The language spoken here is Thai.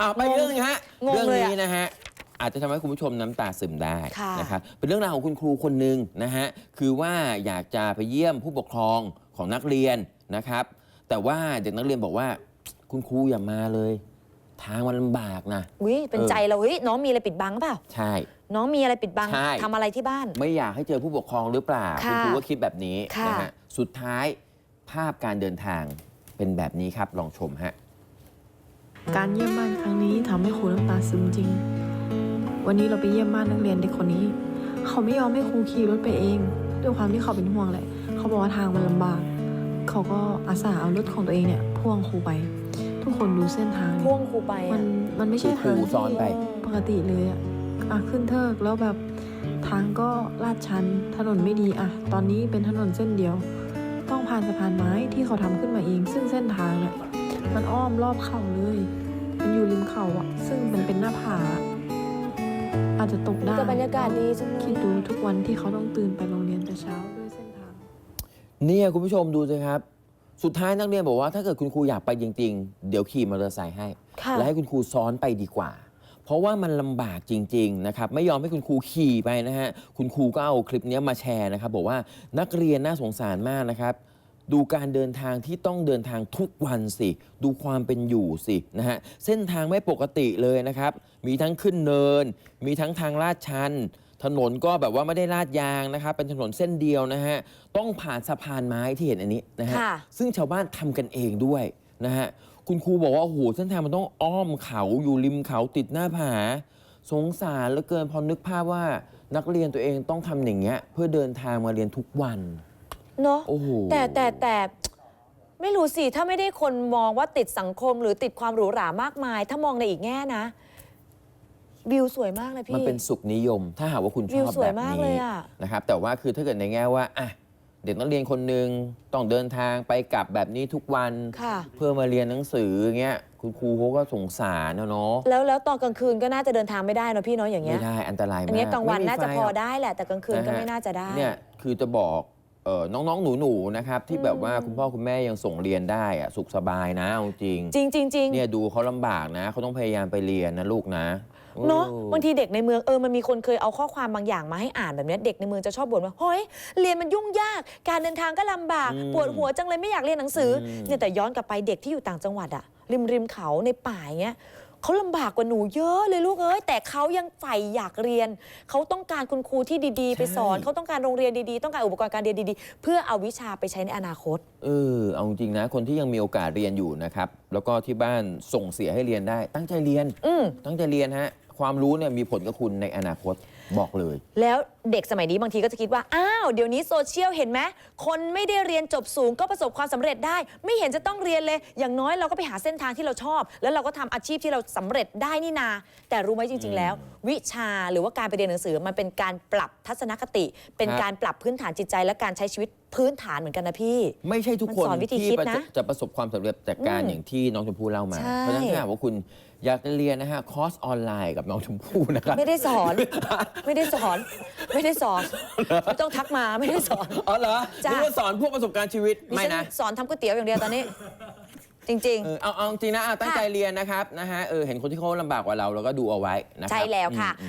ไปเรื่องนึงฮะเรื่องนี้นะฮะอาจจะทำให้คุณผู้ชมน้ำตาซึมได้นะครับเป็นเรื่องราวของคุณครูคนหนึ่งนะฮะคือว่าอยากจะไปเยี่ยมผู้ปกครองของนักเรียนนะครับแต่ว่าเด็กนักเรียนบอกว่าคุณครูอย่ามาเลยทางมันลำบากนะเป็นใจเราน้องมีอะไรปิดบังเปล่าใช่น้องมีอะไรปิดบังทำอะไรที่บ้านไม่อยากให้เจอผู้ปกครองหรือเปล่าคุณครูก็คิดแบบนี้นะฮะสุดท้ายภาพการเดินทางเป็นแบบนี้ครับลองชมฮะการเยี่ยมบ้านครั้งนี้ทำให้ครูน้ำตาซึมจริงวันนี้เราไปเยี่ยมบ้านนักเรียนเด็กคนนี้เขาไม่ยอมให้ครูขี่รถไปเองด้วยความที่เขาเป็นห่วงแหละเขาบอกว่าทางมันลำบากเขาก็อาสาเอารถของตัวเองเนี่ยพ่วงครูไปทุกคนดูเส้นทางพ่วงครูไปมันไม่ใช่ทางซ้อนไปปกติเลยขึ้นเทิกแล้วแบบทางก็ลาดชันถนนไม่ดีตอนนี้เป็นถนนเส้นเดียวต้องผ่านสะพานไม้ที่เขาทำขึ้นมาเองซึ่งเส้นทางเนี่ยมันอ้อมรอบเขาเลยมันอยู่ริมเขาซึ่งมันเป็นหน้าผาอาจจะตกได้แต่บรรยากาศดีจังเลยคิดดูทุกวันที่เขาต้องตื่นไปโรงเรียนแต่เช้าด้วยเส้นทางเนี่ยคุณผู้ชมดูสิครับสุดท้ายนักเรียนบอกว่าถ้าเกิดคุณครูอยากไปจริงๆเดี๋ยวขี่มอเตอร์ไซค์ให้และให้คุณครูซ้อนไปดีกว่าเพราะว่ามันลำบากจริงๆนะครับไม่ยอมให้คุณครูขี่ไปนะฮะคุณครูก็เอาคลิปนี้มาแชร์นะครับบอกว่านักเรียนน่าสงสารมากนะครับดูการเดินทางที่ต้องเดินทางทุกวันสิดูความเป็นอยู่สินะฮะเส้นทางไม่ปกติเลยนะครับมีทั้งขึ้นเนินมีทั้งทางลาดชันถนนก็แบบว่าไม่ได้ลาดยางนะครับเป็นถนนเส้นเดียวนะฮะต้องผ่านสะพานไม้ที่เห็นอันนี้นะฮะซึ่งชาวบ้านทำกันเองด้วยนะฮะคุณครูบอกว่าโอ้โหเส้นทางมันต้องอ้อมเขาอยู่ริมเขาติดหน้าผาสงสารเหลือเกินพอนึกภาพว่านักเรียนตัวเองต้องทำอย่างเงี้ยเพื่อเดินทางมาเรียนทุกวันเนาะแต่ไม่รู้สิถ้าไม่ได้คนมองว่าติดสังคมหรือติดความหรูหรามากมายถ้ามองในอีกแง่นะวิวสวยมากเลยพี่มันเป็นสุขนิยมถ้าหากว่าคุณชอบแบบนี้นะครับแต่ว่าคือถ้าเกิดในแง่ว่าเด็กนักเรียนคนหนึ่งต้องเดินทางไปกลับแบบนี้ทุกวันเพื่อมาเรียนหนังสือเงี้ยคุณครูเขาก็สงสารเนาะแล้วตอนกลางคืนก็น่าจะเดินทางไม่ได้เนาะพี่เนาะอย่างเงี้ยไม่ได้อันตรายมากอันนี้กลางวันน่าจะพอได้แหละแต่กลางคืนก็ไม่น่าจะได้เนี่ยคือจะบอกน้องๆหนูๆนะครับที่แบบว่าคุณพ่อคุณแม่ยังส่งเรียนได้สุขสบายนะจริงเนี่ยดูเขาลำบากนะเขาต้องพยายามไปเรียนนะลูกนะเนาะบางทีเด็กในเมืองมันมีคนเคยเอาข้อความบางอย่างมาให้อ่านแบบนี้เด็กในเมืองจะชอบบ่นว่าเฮ้ยเรียนมันยุ่งยากการเดินทางก็ลำบากปวดหัวจังเลยไม่อยากเรียนหนังสือเนี่ยแต่ย้อนกลับไปเด็กที่อยู่ต่างจังหวัดริมเขาในป่าเงี้ยเขาลำบากกว่าหนูเยอะเลยลูกแต่เขายังใฝ่อยากเรียนเขาต้องการคุณครูที่ดีๆไปสอนเขาต้องการโรงเรียนดีๆต้องการอุปกรณ์การเรียนดีๆเพื่อเอาวิชาไปใช้ในอนาคตเอาจริงนะคนที่ยังมีโอกาสเรียนอยู่นะครับแล้วก็ที่บ้านส่งเสียให้เรียนได้ตั้งใจเรียนตั้งใจเรียนฮะความรู้เนี่ยมีผลกับคุณในอนาคตบอกเลยแล้วเด็กสมัยนี้บางทีก็จะคิดว่าเดี๋ยวนี้โซเชียลเห็นไหมคนไม่ได้เรียนจบสูงก็ประสบความสำเร็จได้ไม่เห็นจะต้องเรียนเลยอย่างน้อยเราก็ไปหาเส้นทางที่เราชอบแล้วเราก็ทำอาชีพที่เราสำเร็จได้นี่นาแต่รู้ไหมจริงๆแล้ววิชาหรือว่าการไปเรียนหนังสือมันเป็นการปรับทัศนคติเป็นการปรับพื้นฐานจิตใจและการใช้ชีวิตพื้นฐานเหมือนกันนะพี่ไม่ใช่ทุกคนที่จะประสบความสำเร็จจากการอย่างที่น้องชมพู่เล่ามาเพราะฉะนั้นถ้าหากว่าคุณอยากจะเรียนนะฮะคอร์สออนไลน์กับน้องชมพู่นะครับไม่ได้สอนไม่ต้องทักมาไม่ได้สอนเหรอไม่ได้สอนพวกประสบการณ์ชีวิตไม่นะสอนทำก๋วยเตี๋ยวอย่างเดียวตอนนี้จริงๆเอาจริงนะตั้งใจเรียนนะครับนะฮะเห็นคนที่เขาลำบากกว่าเราก็ดูเอาไว้นะครับใช่แล้วค่ะ